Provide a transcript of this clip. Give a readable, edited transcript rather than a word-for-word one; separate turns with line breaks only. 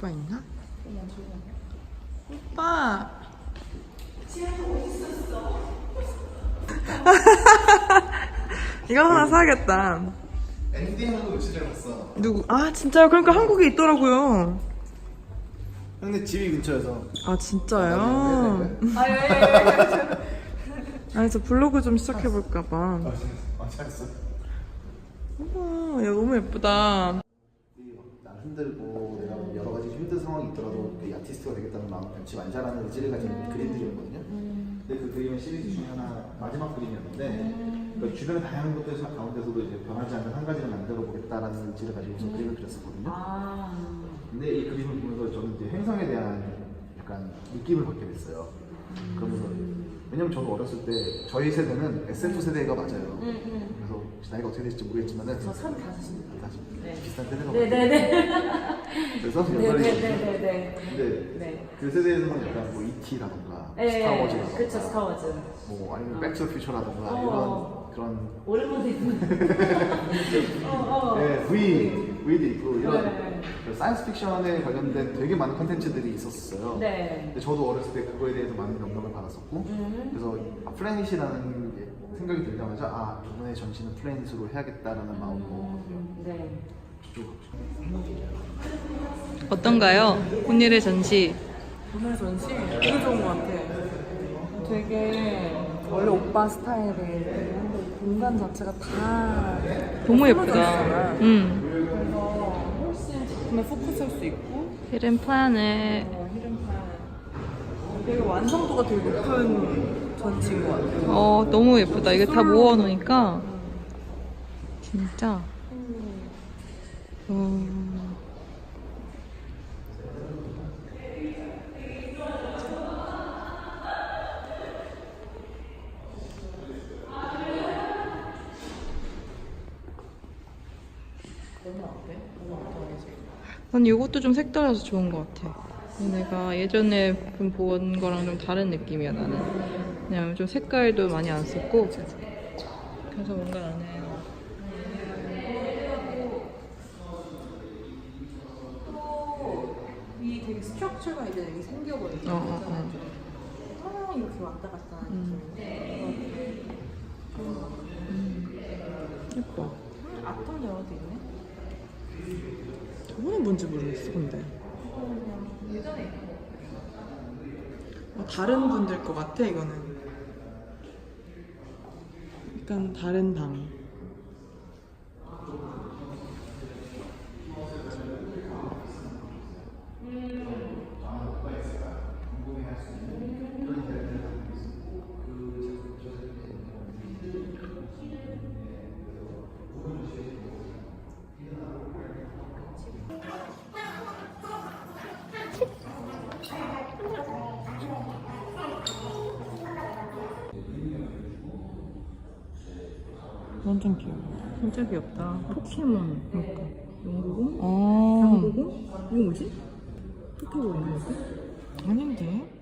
오빠 있나? 오빠! 이거 하나 사야겠다.
엔디 하는 거 며칠 전에 봤어.
누구? 아 진짜요? 그러니까 한국에 있더라고요.
근데 집이 근처여서.
아 진짜요? 아니 저 블로그 좀 시작해볼까봐.
잘했어.
우와 야 너무 예쁘다.
난 힘들고 내가 여러 가지 힘든 상황이 있더라도 그 아티스트가 되겠다는 마음 변치 말자라는 의지를 가진 그림들이었거든요. 근데 그 그림은 시리즈 중에 하나 마지막 그림이었는데 그러니까 주변의 다양한 것들 가운데서도 이제 변하지 않는 한 가지를 만들어 보겠다라는 의지를 가지고서 그림을 그렸었거든요. 근데 이 그림을 보면서 저는 이제 행성에 대한 약간 느낌을 받게 됐어요. 그러면서 왜냐면 저도 어렸을 때 저희 세대는 SF 세대가 맞아요. 그래서 나이가 어떻게 될지 모르겠지만은
저 35입니다.
네. 비슷한 세대가
네네네.
맞아요. 그래서
네네네네.
근데
네.
그 세대에서는 약간 뭐 E.T.라던가
네.
스타워즈라던가
그쵸, 스타워즈.
뭐 아니면 백투더퓨처라던가 이런 그런
오랜만에 듣는.
네, V도 있고 이런
네.
그 사이언스 픽션에 관련된 되게 많은 컨텐츠들이 있었어요.
네.
근데 저도 어렸을 때 그거에 대해서 많은 영감을 받았었고 그래서 플래닛이라는 게 생각이 들자마자 아 이번에 전시는 플래닛으로 해야겠다라는 마음으로
네.
어떤가요? 오늘의 전시.
오늘 전시 되게 좋은 것 같아. 되게 원래 오빠 스타일의 공간 자체가 다
너무 예쁘다.
있잖아.
응.
그래서 훨씬 작품에 포커스할 수 있고
히든 플래닛.
히든판 되게 완성도가 되게 높은 전시인 것 같아요.
너무 예쁘다. 이게 다 모아놓으니까 진짜. 난 이것도 좀 색달라서 좋은 것 같아. 내가 예전에 본 거랑 좀 다른 느낌이야 나는. 왜냐면 좀 색깔도 많이 안 썼고 그래서 뭔가 나는
이 되게 스트럭처가 이제 여기 생겨버렸잖아요. 이렇게 왔다 갔다 하는 느낌인데
예뻐.
앞통 열어도 있네.
저거는 뭔지 모르겠어 근데.
예전에
다른 분들 것 같아 이거는. 약간 다른 방. 완전 귀여워. 진짜 귀엽다. 포켓몬. 그러니까. 연구공? 당구공? 이거 뭐지? 흩어버리는 거지? 아닌데?